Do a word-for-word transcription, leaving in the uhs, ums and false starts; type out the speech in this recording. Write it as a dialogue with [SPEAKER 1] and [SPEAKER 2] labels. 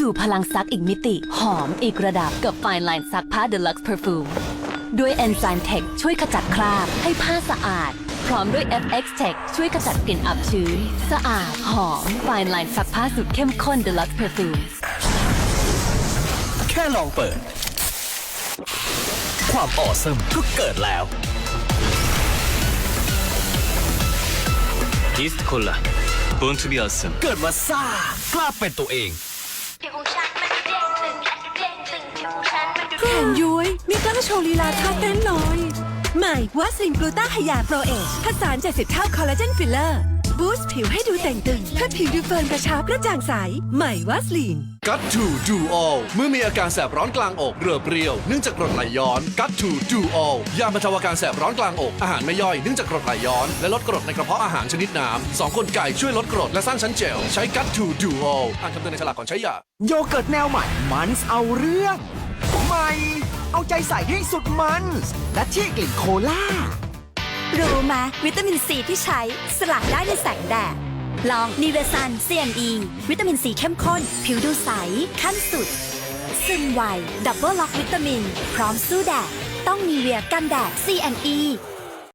[SPEAKER 1] สู่พลังซักอีกมิติ หอมอีกระดับกับ Fine Line ซักผ้า Deluxe Perfume ด้วย Enzyme Tech ช่วยขจัดคราบให้ผ้าสะอาด พร้อมด้วย เอฟ เอ็กซ์ Tech ช่วยขจัดกลิ่นอับชื้น สะอาด หอม Fine Line ซักผ้าสูตรเข้มข้น Deluxe Perfume
[SPEAKER 2] แค่ลองเปิด ความออซัมก็เกิดแล้ว
[SPEAKER 3] อีสต์โคลา Born to be awesome
[SPEAKER 2] เกิดมาซ่ากล้าเป็นตัวเอง
[SPEAKER 4] ผิวของฉันมันดูเด้งตึงและดูเด้งตึงผิวของฉันมันดู
[SPEAKER 5] แขนย้วยมีกล้องโชว์ลีลาท่าเต้นหน่อย ใหม่วัสลินกลูต้าไฮยาโปรเอชผสานเจ็ดสิบเท่าคอลลาเจนฟิลเลอร์บูสต์ผิวให้ดูแต่งตึงถ้าผิวดูเฟิร์มกระชับกระจ่างใส ใหม่วัสลิน
[SPEAKER 6] กัตทูดูออลเมื่อมีอาการแสบร้อนกลางอกเรือเปรี้ยวเนื่องจากกรดไหลย้อนกัตทูดูออลยาบรรเทาอาการแสบร้อนกลางอกอาหารไม่ย่อยเนื่องจากกรดไหลย้อนและลดกรดในกระเพาะอาหารชนิดน้ำสองกลไกช่วยลดกรดและสร้างชั้นเจลใช้กัตทูดูออลอ่านคำเตือนในฉลากก่อนใช้ยา
[SPEAKER 7] โยเกิร์ตแนวใหม่ มันส์เอาเรื่อง ใหม่ เอาใจใส่ให้สุดมันส์และที่กลิ่นโคล่า
[SPEAKER 5] รู้ไหมวิตามินซีที่ใช้สลัดได้ในแสงแดด ลองนิเวซัน ซี เอ็น อี วิตามินซีเข้มข้น ผิวดูใส ขั้นสุด ซึมไว ดับเบิลล็อกวิตามิน พร้อมสู้แดด ต้องนีเวียกันแดด ซี เอ็น อี